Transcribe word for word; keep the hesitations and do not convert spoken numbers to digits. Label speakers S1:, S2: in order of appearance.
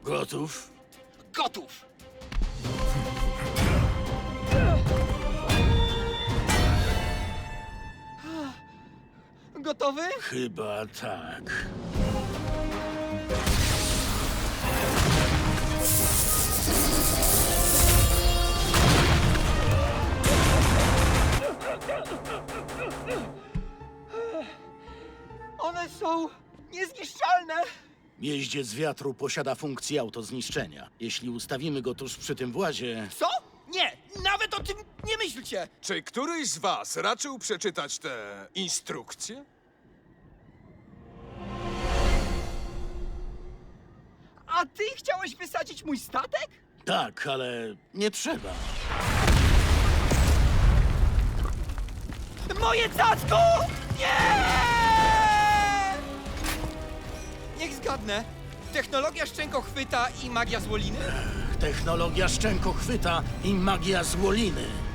S1: Gotów?
S2: Gotów! Gotowy?
S1: Chyba tak.
S2: One są niezniszczalne!
S1: Jeździec wiatru posiada funkcję autozniszczenia. Jeśli ustawimy go tuż przy tym włazie,
S2: Co? Nie! Nawet o tym nie myślcie!
S3: Czy któryś z was raczył przeczytać te instrukcje?
S2: A ty chciałeś wysadzić mój statek?
S1: tak, ale nie trzeba.
S2: Moje cacko! Nie! Niech zgadnę. Technologia szczękochwyta i magia złoliny?
S1: Technologia szczękochwyta i magia złoliny.